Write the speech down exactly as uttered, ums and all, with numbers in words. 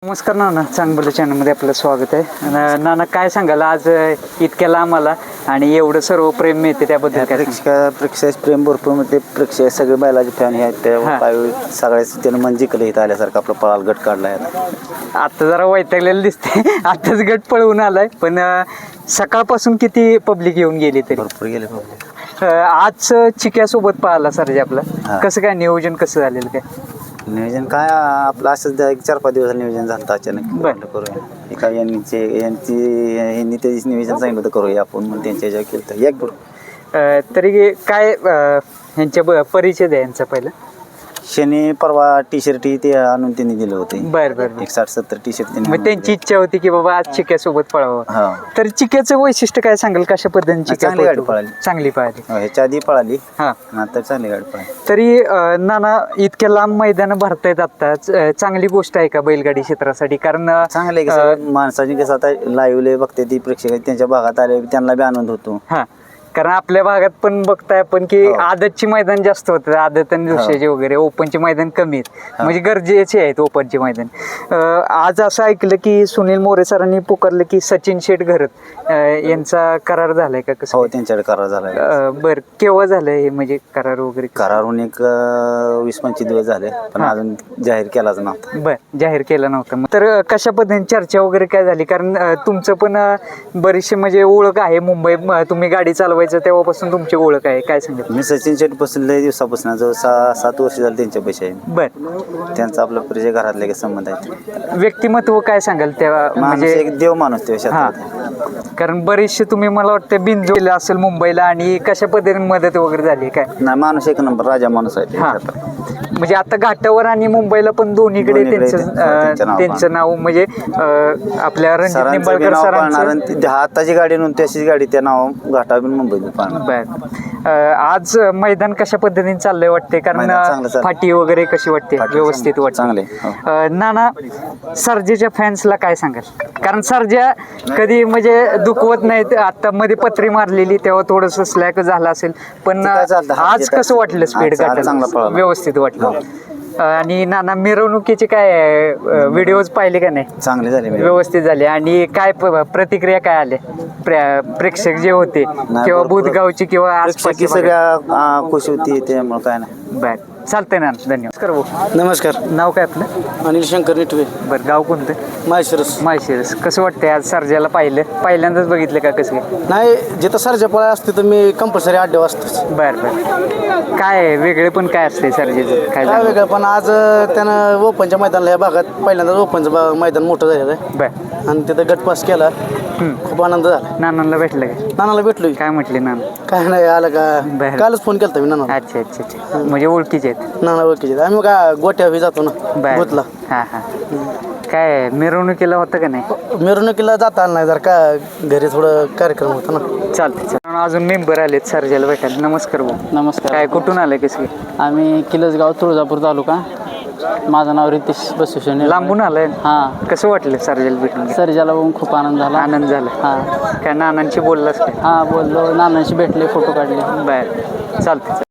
नमस्कार नाना, चांगलं चॅनलमध्ये आपलं स्वागत आहे. नाना, काय सांगाल आज इतक्या लांब आला आणि एवढं सर्व प्रेम मिळते त्याबद्दल काय सांगाल? प्रेक्षक प्रेम भरपूर मध्ये प्रेक्षक सगळे बैलाचे फॅन आहेत त्या सगळ्याच त्यानं मन जिंकलं इथं आल्यासारखं आपलं पळाल गट काढलाय. आता जरा वैतागलेलं दिसते, आताच गट पळवून आलाय, पण सकाळपासून किती पब्लिक येऊन गेली तरी? भरपूर गेले पब्लिक. आज चिक्यासोबत पळाला सरजे आपला, कसं काय नियोजन कसं झालेलं काय? नियोजन काय आपलं असंच एक चार पाच दिवस नियोजन झालं अचानक बरं करूया एका यांचे यांची यांनी त्याची नियोजन सांगितलं होतं करूया आपण म्हणून त्यांच्या ह्याच्यावर केलं तर एक बरोबर. तरी काय ह्यांच्या परिचय द्या यांचा पहिला. शनी परवा टी शर्ट ते आणून त्यांनी दिलं होतं. बरं बरं. एक साठ सत्तर टी शर्ट मग त्यांची इच्छा होती की बाबा आज चिक्यासोबत पळावं. तर चिक्याचं वैशिष्ट्य काय सांगाल, कशा पद्धतीने चांगली गाडी पळाली? चांगली पळाली, ह्याच्या आधी पळाली. हा, नंतर चांगली गाडी पळाली. तरी नाना इतक्या लांब मैदान भरतायत आता, चांगली गोष्ट आहे का बैलगाडी क्षेत्रासाठी? कारण चांगलं आहे माणसाची कसं आता लाईव्ह बघते ती प्रेक्षक त्यांच्या भागात आले त्यांना बी आनंद होतो. हा, कारण आपल्या भागात पण बघताय आपण की आदतची मैदान जास्त होतं, आदत आणि दुसऱ्याचे वगैरे, ओपनचे मैदान कमी आहेत, म्हणजे गरजेचे आहेत ओपनचे मैदान. आज असं ऐकलं की सुनील मोरे सरांनी पुकारलं की सचिन शेठ घरत यांचा करार झालाय का? कसं? हो, त्यांच्याकडे करार झालाय. बर, केव्हा झालंय म्हणजे करार वगैरे? करारून एक वीस पंचवीस दिवस झाले, पण अजून जाहीर केलाच नव्हता. बर, जाहीर केला नव्हता. तर कशा पद्धतीने चर्चा वगैरे काय झाली? कारण तुमचं पण बरीचशी म्हणजे ओळख आहे मुंबई, तुम्ही गाडी चालवा तेव्हापासून तुमची ओळख आहे, काय सांगत? मी सचिन शेट पासून लय दिवसापासून जवळ सहा सात वर्ष झाले त्यांच्या पैसे आहे. बर, त्यांचा आपला परिचय घरातले संबंध आहे. व्यक्तिमत्व काय सांगाल तेव्हा? म्हणजे एक देव माणूस ते. कारण बरेचसे तुम्ही मला वाटतं बिंजू गेला असेल मुंबईला, आणि कशा पद्धतीने मदत वगैरे झाली काय? नाही, माणूस एक नंबर, राजा माणूस आहे. म्हणजे आता घाटावर आणि मुंबईला पण दोन्हीकडे त्यांचं त्यांचं नाव म्हणजे आपल्या रणजित निंबाळकर सरांचं हाताची गाडी नव्हती त्याची गाडी त्या नाव घाटावर मुंबईत. बर, आज मैदान कशा पद्धतीने चाललंय वाटते? कारण फाटी वगैरे कशी वाटते? व्यवस्थित वाटते? चांगले. नाना, सर्जेच्या फॅन्सला काय सांगाल? कारण सर्जा कधी म्हणजे दुखवत नाहीत, आता मध्ये पत्री मारलेली तेव्हा थोडस स्लॅक झालं असेल, पण आज कसं वाटलं? स्पीड गाठायला व्यवस्थित वाटलं. आणि नाना, मिरवणुकीचे काय व्हिडिओज पाहिले का नाही? चांगले झाले, व्यवस्थित झाले. आणि काय प्रतिक्रिया काय आल्या प्रेक्षक जे होते किंवा बुधगावची किंवा आसपासची सगळ्या खुश होती, त्यामुळे काय नाही. बर, चालतंय ना, धन्यवाद. नमस्कार. नाव काय आपलं? अनिल शंकर निटवे. बरं, गाव कोणतं? माळशिरस. माळशिरस. कसं वाटतंय आज सर्जाला पाहिलं? पहिल्यांदाच बघितलं का? कसं काय? नाही, जिथं सर्जा पळा असते तर मी कंपल्सरी आठ वाजताच. बरं बरं. काय वेगळे पण काय असते सर्जेचं? काय काय वेगळं पण आज त्यानं ओपनच्या मैदानाला या भागात पहिल्यांदाच ओपनचं मैदान मोठं झालेलं आहे. बरं. आणि तिथं गट पास केला, खूप आनंद झाला. नानांना भेटलं का? नानाला भेटलो. काय म्हटले नाना? काय नाही, आलं का कालच फोन केला मी नाना. अच्छा अच्छा अच्छा, म्हणजे ओळखीचे आहेत? नाना ओळखीचे. आम्ही काय गोट्या बी जातो ना गोतला. हां हां. काय मिरवणुकीला होतं का नाही? मिरवणुकीला जाता आलं नाही, जर का घरी थोडं कार्यक्रम होता ना. चालतं चालतं. अजून मेंबर आलेत सर्जाला भेटायला. नमस्कार भाऊ. नमस्कार. काय कुठून आलं? कसं? आम्ही किलसगाव तुळजापूर तालुका. माझं नाव रितेश बसुशेने. लांबून आलंय? हां. कसं वाटलं सर्जाला भेटून? सर्जाला बघून खूप आनंद झाला. आनंद झाला. हां. काय नानांशी बोललास काय? हां, बोललो, नानांशी भेटले, फोटो काढले. बरं, चालतं.